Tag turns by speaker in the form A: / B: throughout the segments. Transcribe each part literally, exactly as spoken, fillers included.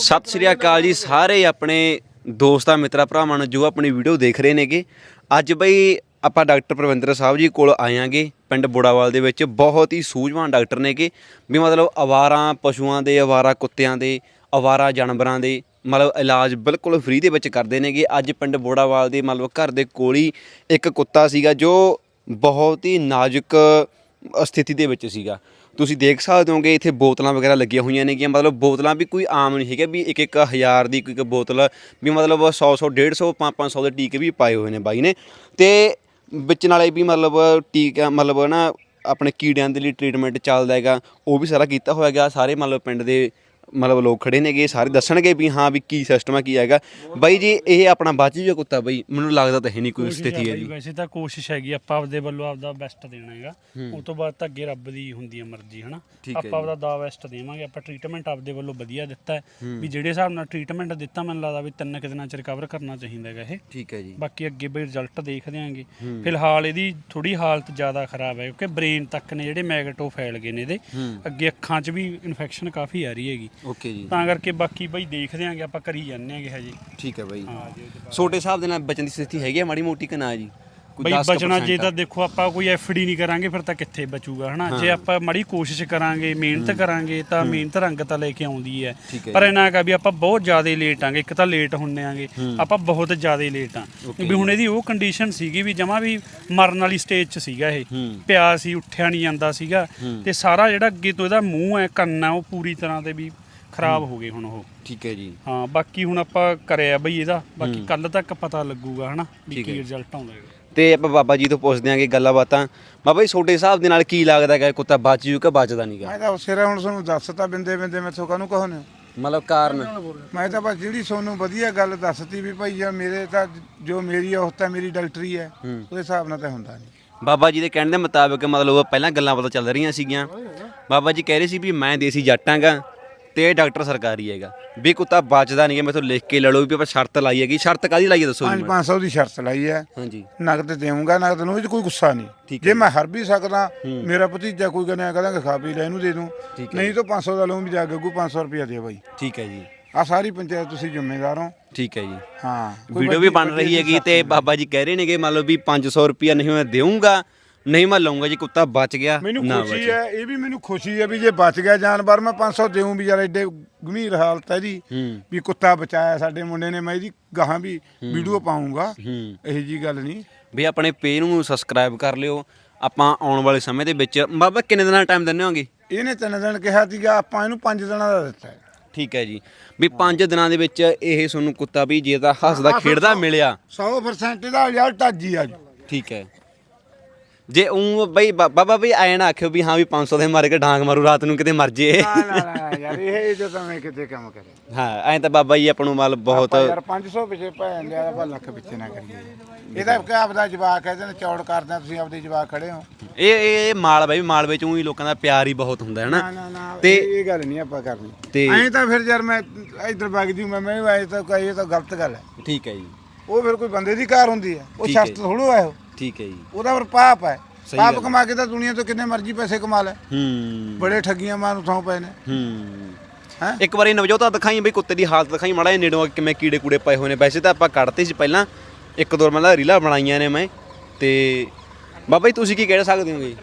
A: ਸਤਿ ਸ਼੍ਰੀ ਅਕਾਲ ਜੀ ਸਾਰੇ ਆਪਣੇ ਦੋਸਤਾਂ ਮਿੱਤਰਾਂ ਭਰਾਵਾਂ ਨੂੰ ਜੋ ਆਪਣੀ ਵੀਡੀਓ ਦੇਖ ਰਹੇ ਨੇਗੇ। ਅੱਜ ਬਈ ਆਪਾਂ ਡਾਕਟਰ ਪ੍ਰਵਿੰਦਰ ਸਾਹਿਬ ਜੀ ਕੋਲ ਆਇਆਂਗੇ ਪਿੰਡ ਬੋੜਾਵਾਲ ਦੇ ਵਿੱਚ। ਬਹੁਤ ਹੀ ਸੂਝਵਾਨ ਡਾਕਟਰ ਨੇਗੇ ਵੀ ਮਤਲਬ ਅਵਾਰਾ ਪਸ਼ੂਆਂ ਦੇ, ਅਵਾਰਾ ਕੁੱਤਿਆਂ ਦੇ, ਅਵਾਰਾ ਜਾਨਵਰਾਂ ਦੇ ਮਤਲਬ ਇਲਾਜ ਬਿਲਕੁਲ ਫ੍ਰੀ ਦੇ ਵਿੱਚ ਕਰਦੇ ਨੇਗੇ। ਅੱਜ ਪਿੰਡ ਬੋੜਾਵਾਲ ਦੇ ਮਤਲਬ ਘਰ ਦੇ ਕੋਲ ਹੀ ਇੱਕ ਕੁੱਤਾ ਸੀਗਾ ਜੋ ਬਹੁਤ ਹੀ ਨਾਜ਼ੁਕ ਸਥਿਤੀ ਦੇ ਵਿੱਚ ਸੀਗਾ। ਤੁਸੀਂ ਦੇਖ ਸਕਦੇ ਹੋਗੇ ਇੱਥੇ ਬੋਤਲਾਂ ਵਗੈਰਾ ਲੱਗੀਆਂ ਹੋਈਆਂ ਨੇਗੀਆਂ। ਮਤਲਬ ਬੋਤਲਾਂ ਵੀ ਕੋਈ ਆਮ ਨਹੀਂ ਹੈਗਾ ਵੀ ਇੱਕ ਇੱਕ ਹਜ਼ਾਰ ਦੀ ਕੋਈ ਬੋਤਲ ਵੀ ਮਤਲਬ ਸੌ ਸੌ ਡੇਢ ਸੌ ਪੰਜ ਪੰਜ ਸੌ ਦੇ ਟੀਕੇ ਵੀ ਪਾਏ ਹੋਏ ਨੇ ਬਾਈ ਨੇ। ਅਤੇ ਵਿੱਚ ਨਾਲੇ ਵੀ ਮਤਲਬ ਟੀਕਾ ਮਤਲਬ ਨਾ ਆਪਣੇ ਕੀੜਿਆਂ ਦੇ ਲਈ ਟਰੀਟਮੈਂਟ ਚੱਲਦਾ ਹੈਗਾ, ਉਹ ਵੀ ਸਾਰਾ ਕੀਤਾ ਹੋਇਆ ਹੈਗਾ। ਸਾਰੇ ਮਤਲਬ ਪਿੰਡ ਦੇ ਮਤਲਬ ਲੋਕ ਖੜੇ ਨੇਗੇ, ਸਾਰੇ ਦੱਸਣਗੇ ਵੀ ਹਾਂ ਵੀ ਕੀ ਸਿਸਟਮ ਹੈ ਕੀ ਹੈਗਾ। ਬਾਈ ਜੀ ਇਹ ਆਪਣਾ ਬਚ ਜੂਗਾ ਕੁੱਤਾ? ਬਾਈ ਮੈਨੂੰ ਲੱਗਦਾ ਤਾਂ ਹੈ ਨਹੀਂ ਕੋਈ ਸਥਿਤੀ ਹੈ ਜੀ।
B: ਵੈਸੇ ਤਾਂ ਕੋਸ਼ਿਸ਼ ਹੈਗੀ ਆਪਾਂ ਆਪਦੇ ਵੱਲੋਂ ਆਪਦਾ ਬੈਸਟ ਦੇਣਾ ਹੈਗਾ, ਉਸ ਤੋਂ ਬਾਅਦ ਤਾਂ ਅੱਗੇ ਰੱਬ ਦੀ ਹੁੰਦੀ ਹੈ ਮਰਜ਼ੀ ਹਨਾ। ਆਪਾਂ ਆਪਦਾ ਦਾ ਬੈਸਟ ਦੇਵਾਂਗੇ। ਆਪਾਂ ਟ੍ਰੀਟਮੈਂਟ ਆਪਦੇ ਵੱਲੋਂ ਵਧੀਆ ਦਿੱਤਾ ਹੈ ਵੀ ਜਿਹੜੇ ਹਿਸਾਬ ਨਾਲ ਟ੍ਰੀਟਮੈਂਟ ਦਿੱਤਾ ਮੈਨੂੰ ਲੱਗਦਾ ਵੀ ਤਿੰਨ ਕੁ ਦਿਨਾਂ ਚ ਰਿਕਵਰ ਕਰਨਾ ਚਾਹੀਦਾ ਹੈਗਾ ਇਹ। ਠੀਕ ਹੈ ਜੀ। ਬਾਕੀ ਅੱਗੇ ਬਈ ਰਿਜ਼ਲਟ ਦੇਖਦੇ ਆਂਗੇ। ਫਿਲਹਾਲ ਇਹਦੀ ਥੋੜੀ ਹਾਲਤ ਜ਼ਿਆਦਾ ਖਰਾਬ ਹੈ ਕਿਉਂਕਿ ਬ੍ਰੇਨ ਤੱਕ ਨੇ ਜਿਹੜੇ ਮੈਗਟੋ ਫੈਲ ਗਏ ਨੇ ਇਹਦੇ, ਅੱਗੇ ਅੱਖਾਂ 'ਚ ਵੀ ਇਨਫੈਕਸ਼ਨ ਕਾਫੀ ਆ ਰਹੀ ਹੈਗੀ। ਓਕੇ ਜੀ। ਤਾਂ ਕਰਕੇ ਬਾਕੀ ਬਈ ਦੇਖਦੇ ਆਂਗੇ, ਆਪਾਂ ਕਰੀ ਜਾਂਦੇ ਆਂਗੇ ਹਜੇ। ਠੀਕ ਹੈ ਬਾਈ।
A: ਛੋਟੇ ਹਿਸਾਬ ਦੇ ਨਾਲ ਬਚਣ ਦੀ ਸਥਿਤੀ ਹੈਗੀ ਆ ਮਾੜੀ ਮੋਟੀ ਕਿ ਨਾ ਜੀ?
B: ਬਈ ਬਚਣਾ ਜੇ ਤਾਂ ਦੇਖੋ ਆਪਾਂ ਕੋਈ ਐਫ ਡੀ ਨਹੀਂ ਕਰਾਂਗੇ ਫਿਰ ਤਾਂ ਕਿੱਥੇ ਬਚੂਗਾ ਹਨਾ। ਜੇ ਆਪਾਂ ਮਾੜੀ ਕੋਸ਼ਿਸ਼ ਕਰਾਂਗੇ, ਮਿਹਨਤ ਕਰਾਂਗੇ ਤਾਂ ਮਿਹਨਤ ਰੰਗ ਤਾਂ ਲੈ ਕੇ ਆਉਂਦੀ ਹੈ। ਪਰ ਇਹਨਾਂ ਹੈਗਾ ਵੀ ਆਪਾਂ ਬਹੁਤ ਜ਼ਿਆਦਾ ਲੇਟ ਆਂਗੇ। ਇੱਕ ਤਾਂ ਲੇਟ ਹੁੰਨੇ ਆਂਗੇ ਆਪਾਂ, ਬਹੁਤ ਜ਼ਿਆਦਾ ਲੇਟ ਆਂ ਵੀ ਹੁਣ ਇਹਦੀ ਉਹ ਕੰਡੀਸ਼ਨ ਸੀਗੀ ਵੀ ਜਮਾਂ ਵੀ ਮਰਨ ਵਾਲੀ ਸਟੇਜ 'ਚ ਸੀਗਾ ਇਹ। ਪਿਆ ਸੀ, ਉੱਠਿਆ ਨਹੀਂ ਜਾਂਦਾ ਸੀਗਾ ਤੇ ਸਾਰਾ ਜਿਹੜਾ ਅੱਗੇ ਤੋਂ ਇਹਦਾ ਮੂੰਹ ਹੈ, ਕੰਨ ਹੈ, ਉਹ ਪੂਰੀ ਤਰ੍ਹਾਂ ਤੇ ਵੀ ਖਰਾਬ ਹੋ ਗਏ ਹੁਣ ਉਹ। ਠੀਕ ਹੈ ਜੀ। ਹਾਂ ਬਾਕੀ ਹੁਣ ਆਪਾਂ ਕਰਿਆ ਬਈ ਇਹਦਾ, ਬਾਕੀ ਕੱਲ ਤੱਕ ਪਤਾ ਲੱਗੂਗਾ ਹਨਾ ਵੀ ਕੀ ਰਿਜ਼ਲਟ ਆਉਂਦਾ ਹੈ।
A: ਤੇ ਆਪਾਂ ਬਾਬਾ ਜੀ ਤੋਂ ਪੁੱਛਦੇ ਆਂਗੇ ਗੱਲਾਂ ਬਾਤਾਂ। ਬਾਬਾ ਜੀ ਤੁਹਾਡੇ ਹਿਸਾਬ ਦੇ ਨਾਲ ਕੀ ਲੱਗਦਾ ਹੈ ਕੁੱਤਾ ਬਚ ਜੂ ਕਿ ਬਚਦਾ ਨਹੀਂ ਗਾ?
C: ਮੈਂ ਤਾਂ ਸਿਰੇ ਹੁਣ ਤੁਹਾਨੂੰ ਦੱਸਤਾ ਬਿੰਦੇ ਬਿੰਦੇ ਮੈਥੋਂ ਕਾਹਨੂੰ ਕਹੋਨੇ
A: ਮਤਲਬ ਕਾਰਨ?
C: ਮੈਂ ਤਾਂ ਬਸ ਜਿਹੜੀ ਤੁਹਾਨੂੰ ਵਧੀਆ ਗੱਲ ਦੱਸਤੀ ਵੀ ਭਾਈ ਆ ਮੇਰੇ ਤਾਂ ਜੋ ਮੇਰੀ ਔਸਤ ਹੈ, ਮੇਰੀ ਡਾਕਟਰੀ ਹੈ, ਉਹਦੇ ਹਿਸਾਬ ਨਾਲ ਤਾਂ ਹੁੰਦਾ ਨਹੀਂ।
A: ਬਾਬਾ ਜੀ ਦੇ ਕਹਿਣ ਦੇ ਮੁਤਾਬਕ ਮਤਲਬ ਪਹਿਲਾਂ ਗੱਲਾਂ ਪਤਾ ਚੱਲ ਰਹੀਆਂ ਸੀਗੀਆਂ। ਬਾਬਾ ਜੀ ਕਹਿ ਰਹੇ ਸੀ ਵੀ ਮੈਂ ਦੇਸੀ ਜੱਟ ਆਂਗਾ ਤੇ ਡਾਕਟਰ ਸਰਕਾਰੀ ਹੈਗਾ, ਵੀ ਕੁੱਤਾ ਬਚਦਾ ਨਹੀਂ ਹੈ। ਮੈਥੋਂ ਲਿਖ ਕੇ ਲੈ ਲਓ ਵੀ ਆਪਾਂ ਸ਼ਰਤ ਲਾਈ ਹੈਗੀ। ਸ਼ਰਤ ਕਾਹਦੀ ਲਾਈ ਹੈ ਦੱਸੋ ਜੀ?
C: ਪੰਜ ਸੌ ਦੀ ਸ਼ਰਤ ਲਾਈ ਹੈ।
A: ਹਾਂਜੀ।
C: ਨਗਦ ਦੇਵਾਂਗਾ, ਨਗਦ ਨੂੰ ਇਹ 'ਚ ਕੋਈ ਗੁੱਸਾ ਨਹੀਂ। ਜੇ ਮੈਂ ਹਰ ਵੀ ਸਕਦਾ, ਮੇਰਾ ਭਤੀਜਾ ਕੋਈ ਕਹਿੰਦਾ ਕਹਾਂਗਾ ਖਾ ਪੀ ਲੈ ਇਹਨੂੰ ਦੇ ਦੂੰ, ਨਹੀਂ ਤਾਂ ਪੰਜ ਸੌ ਦਾ ਲਊਂ ਵੀ ਜਾ ਗੱਗੂ ਪੰਜ ਸੌ ਰੁਪਇਆ ਦੇ ਬਾਈ। ਠੀਕ ਹੈ ਜੀ। ਆ ਸਾਰੀ ਪੰਚਾਇਤ ਤੁਸੀਂ ਜ਼ਿੰਮੇਦਾਰ ਹੋ। ਠੀਕ ਹੈ ਜੀ। ਹਾਂ
A: ਵੀਡੀਓ ਵੀ ਬਣ ਰਹੀ ਹੈਗੀ ਤੇ ਬਾਬਾ ਜੀ ਕਹਿ ਰਹੇ ਨੇਗੇ ਮੰਨ ਲਓ ਵੀ ਪੰਜ ਸੌ ਰੁਪਇਆ ਨਹੀਂ ਮੈਂ ਦੇਊਂਗਾ, ਨਹੀਂ ਮੈਂ ਲਊਂਗਾ ਜੀ ਕੁੱਤਾ ਬਚ ਗਿਆ।
C: ਮੈਨੂੰ ਖੁਸ਼ੀ ਹੈ, ਇਹ ਵੀ ਮੈਨੂੰ ਖੁਸ਼ੀ ਹੈ ਵੀ ਜੇ ਬਚ ਗਿਆ ਜਾਨਵਰ ਮੈਂ ਪੰਜ ਸੌ ਦੇਊਂ ਵੀ ਯਾਰ ਐਡੇ ਗੰਭੀਰ ਹਾਲਤ ਹੈ ਇਹਦੀ ਵੀ ਕੁੱਤਾ ਬਚਾਇਆ ਸਾਡੇ ਮੁੰਡੇ ਨੇ। ਮੈਂ ਇਹਦੀ ਗਾਹਾਂ ਵੀ ਵੀਡੀਓ ਪਾਊਂਗਾ, ਇਹੋ ਜੀ ਗੱਲ ਨਹੀਂ। ਵੀ
A: ਆਪਣੇ ਪੇਜ ਨੂੰ ਸਬਸਕ੍ਰਾਈਬ ਕਰ ਲਿਓ। ਆਪਾਂ ਆਉਣ ਵਾਲੇ ਸਮੇਂ ਦੇ ਵਿੱਚ ਬਾਬਾ ਕਿੰਨੇ ਦਿਨਾਂ ਦਾ ਟਾਈਮ ਦਿੰਦੇ ਹੋਗੇ?
C: ਇਹਨੇ ਤਿੰਨ ਦਿਨ ਕਿਹਾ ਸੀਗਾ, ਆਪਾਂ ਇਹਨੂੰ ਪੰਜ ਦਿਨਾਂ ਦਾ ਦਿੱਤਾ ਹੈ।
A: ਠੀਕ ਹੈ ਜੀ। ਵੀ ਪੰਜ ਦਿਨਾਂ ਦੇ ਵਿੱਚ ਇਹ ਤੁਹਾਨੂੰ ਕੁੱਤਾ ਵੀ ਜੇ ਤਾਂ ਹੱਸਦਾ ਖੇਡਦਾ ਮਿਲਿਆ
C: ਸੌ ਪਰਸੈਂਟ ਇਹਦਾ ਰਿਜ਼ਲਟ ਅੱਜ ਹੀ ਆ ਜੀ। ਠੀਕ ਹੈ।
A: ਜੇ ਉਹ ਬਈ ਬਾਬਾ ਬਈ ਐਂ ਨਾ ਆਖਿਓ ਵੀ ਹਾਂ ਵੀ ਪੰਜ ਸੌ ਦੇ ਮਾਰੇ ਕੇ ਡਾਂਗ ਮਾਰੂ ਰਾਤ ਨੂੰ ਕਿਤੇ ਮਰ ਜੇ।
C: ਯਾਰ ਇਹ ਜੋ ਤਾਂ ਮੈਂ ਕਿਤੇ ਕੰਮ ਕਰੇ। ਹਾਂ
A: ਐਂ ਤਾਂ ਬਾਬਾ ਜੀ ਆਪਾਂ ਨੂੰ ਮਾਲ ਬਹੁਤ
C: ਯਾਰ ਪੰਜ ਸੌ ਪਿੱਛੇ ਭੈਣ ਲਿਆ ਆਪਾਂ ਲੱਖ ਪਿੱਛੇ ਨਾ ਕਰੀਏ। ਇਹਦਾ ਕਿ ਆਪਦਾ ਜਵਾਕ ਹੈ, ਇਹਦੇ ਚੌੜ ਕਰਦੇ ਤੁਸੀਂ ਆਪਦੇ ਜਵਾਕ ਖੜੇ ਹੋ।
A: ਇਹ ਇਹ ਮਾਲ ਬਾਈ ਮਾਲ ਵਿੱਚ ਊਂ ਹੀ ਲੋਕਾਂ ਦਾ ਪਿਆਰ ਹੀ ਬਹੁਤ ਹੁੰਦਾ ਹੈ ਨਾ।
C: ਤੇ ਇਹ ਗੱਲ ਨਹੀਂ ਆਪਾਂ ਕਰਨੀ ਤੇ ਐਂ ਤਾਂ ਫਿਰ ਯਾਰ ਮੈਂ ਇੱਧਰ ਵਗ ਜੂ ਮੈਂ ਮੈਂ ਐਂ ਤਾਂ ਇਹ ਤਾਂ ਗਲਤ ਗੱਲ ਹੈ। ਠੀਕ ਹੈ ਜੀ। ਉਹ ਫਿਰ ਕੋਈ ਬੰਦੇ ਦੀ ਕਾਰ ਹੁੰਦੀ ਹੈ, ਉਹ ਸ਼ਰਤ ਥੋੜੋ ਹੈ ਉਹ। ਠੀਕ ਹੈ ਜੀ। ਉਹਦਾ ਫਿਰ ਪਾਪ ਹੈ। ਪਾਪ ਕਮਾ ਕੇ ਤਾਂ ਦੁਨੀਆ ਤੋਂ ਕਿੰਨੇ ਮਰਜ਼ੀ ਪੈਸੇ ਕਮਾ ਲੈ। ਹੂੰ। ਬੜੇ ਠੱਗੀਆਂ ਮਾਰੂ ਥਾਂ ਪਏ ਨੇ। ਹੂੰ। ਹੈ ਇੱਕ ਵਾਰੀ ਨਵਜੋਤ ਦਿਖਾਈ ਬਈ ਕੁੱਤੇ ਦੀ ਹਾਲਤ ਦਿਖਾਈ ਮਾੜਾ ਜਿਹਾ ਨੇੜੋਂ ਕਿਵੇਂ ਕੀੜੇ ਕੂੜੇ ਪਏ ਹੋਏ ਨੇ। ਵੈਸੇ ਤਾਂ ਆਪਾਂ ਕੱਢਤੇ ਸੀ ਪਹਿਲਾਂ, ਇੱਕ ਦੋ ਮਤਲਬ ਰੀਲਾਂ ਬਣਾਈਆਂ ਨੇ ਮੈਂ। ਤੇ ਬਾਬਾ ਜੀ ਤੁਸੀਂ ਕੀ ਕਹਿ ਸਕਦੇ ਹੋਗੇ?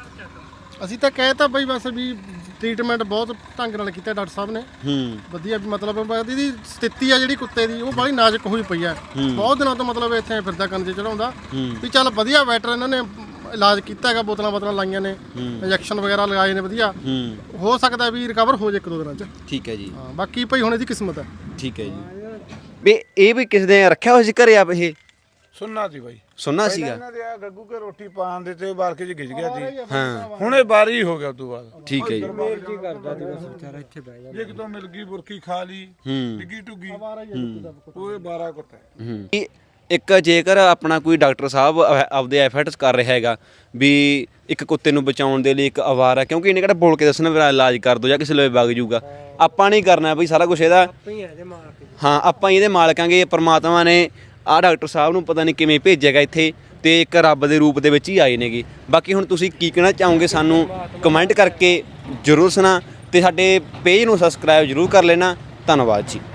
D: ਅਸੀਂ ਤਾਂ ਕਹਿ ਤਾ ਬਈ ਬਸ ਵੀ ਟ੍ਰੀਟਮੈਂਟ ਬਹੁਤ ਢੰਗ ਨਾਲ ਕੀਤਾ ਡਾਕਟਰ ਸਾਹਿਬ ਨੇ। ਹੂੰ। ਵਧੀਆ ਵੀ ਮਤਲਬ ਇਹਦੀ ਸਥਿਤੀ ਆ ਜਿਹੜੀ ਕੁੱਤੇ ਦੀ ਉਹ ਬੜੀ ਨਾਜ਼ੁਕ ਹੋਈ ਪਈ ਆ। ਬਹੁਤ ਦਿਨਾਂ ਤੋਂ ਮਤਲਬ ਇੱਥੇ ਫਿਰਦਾ ਕੰਨ 'ਚ ਚੜਾਉਂਦਾ ਵੀ ਚੱਲ ਵਧੀਆ ਵੈਟਰ ਇਹਨਾਂ ਨੇ ਇਲਾਜ ਕੀਤਾ ਹੈਗਾ, ਬੋਤਲਾਂ ਬੋਤਲਾਂ ਲਾਈਆਂ ਨੇ, ਇੰਜੈਕਸ਼ਨ ਵਗੈਰਾ ਲਗਾਏ ਨੇ ਵਧੀਆ। ਹੋ ਸਕਦਾ ਵੀ ਰਿਕਵਰ ਹੋ ਜਾਏ ਇੱਕ ਦੋ ਦਿਨਾਂ 'ਚ। ਠੀਕ ਹੈ ਜੀ। ਹਾਂ ਬਾਕੀ ਭਾਈ ਹੁਣ ਇਹਦੀ ਕਿਸਮਤ ਹੈ। ਠੀਕ ਹੈ ਜੀ।
A: ਵੀ ਇਹ ਵੀ ਕਿਸੇ ਨੇ ਰੱਖਿਆ ਹੋਇਆ ਸੀ ਘਰੇ ਆਪ? ਇਹ
C: ਸੁਣਨਾ ਸੀ ਬਾਈ,
A: ਸੁਣਨਾ ਸੀਗਾ।
C: ਇਹਨਾਂ ਦੇ ਆ ਗੱਗੂ ਕੇ ਰੋਟੀ ਪਾਣ ਦੇ ਤੇ ਬਾਰਕੇ 'ਚ ਗਿਜ ਗਿਆ ਸੀ। ਹਾਂ ਹੁਣ ਇਹ ਬਾਰੀ ਹੋ ਗਿਆ ਉਸ ਤੋਂ ਬਾਅਦ। ਠੀਕ ਹੈ ਜੀ।
D: ਕੀ ਕਰਦਾ ਸੀ ਬਸ ਵਿਚਾਰਾ ਇੱਥੇ ਬਹਿ ਗਿਆ।
C: ਇੱਕ ਤੋਂ ਮਿਲ ਗਈ ਬੁਰਕੀ ਖਾ ਲਈ, ਡਿੱਗੀ ਟੁੱਗੀ, ਉਹ ਬਾਰਾ ਕੁੱਤਾ ਹੈ।
A: ਇੱਕ ਜੇਕਰ ਆਪਣਾ ਕੋਈ ਡਾਕਟਰ ਸਾਹਿਬ ਆਪਦੇ ਐਫਰਟਸ ਕਰ ਰਿਹਾ ਹੈਗਾ ਵੀ ਇੱਕ ਕੁੱਤੇ ਨੂੰ ਬਚਾਉਣ ਦੇ ਲਈ ਇੱਕ ਅਵਾਰਾ, ਕਿਉਂਕਿ ਇਹਨੇ ਕਿਹੜਾ ਬੋਲ ਕੇ ਦੱਸਣਾ ਮੇਰਾ ਇਲਾਜ ਕਰ ਦੋ ਜਾਂ ਕਿਸੇ ਲਈ ਵਗ ਜੂਗਾ, ਆਪਾਂ ਨਹੀਂ ਕਰਨਾ ਬਈ ਸਾਰਾ ਕੁਛ ਇਹਦਾ। ਹਾਂ ਆਪਾਂ ਹੀ ਇਹਦੇ ਮਾਲਕਾਂਗੇ। ਪਰਮਾਤਮਾ ਨੇ ਆਹ ਡਾਕਟਰ ਸਾਹਿਬ ਨੂੰ ਪਤਾ ਨਹੀਂ ਕਿਵੇਂ ਭੇਜੇਗਾ ਇੱਥੇ, ਤੇ ਇੱਕ ਰੱਬ ਦੇ ਰੂਪ ਦੇ ਵਿੱਚ ਹੀ ਆਏ ਨੇਗੇ। ਬਾਕੀ ਹੁਣ ਤੁਸੀਂ ਕੀ ਕਹਿਣਾ ਚਾਹੋਗੇ ਸਾਨੂੰ ਕਮੈਂਟ ਕਰਕੇ ਜ਼ਰੂਰ ਸੁਣਾ, ਤੇ ਸਾਡੇ ਪੇਜ ਨੂੰ ਸਬਸਕ੍ਰਾਈਬ ਜ਼ਰੂਰ ਕਰ ਲੈਣਾ। ਧੰਨਵਾਦ ਜੀ।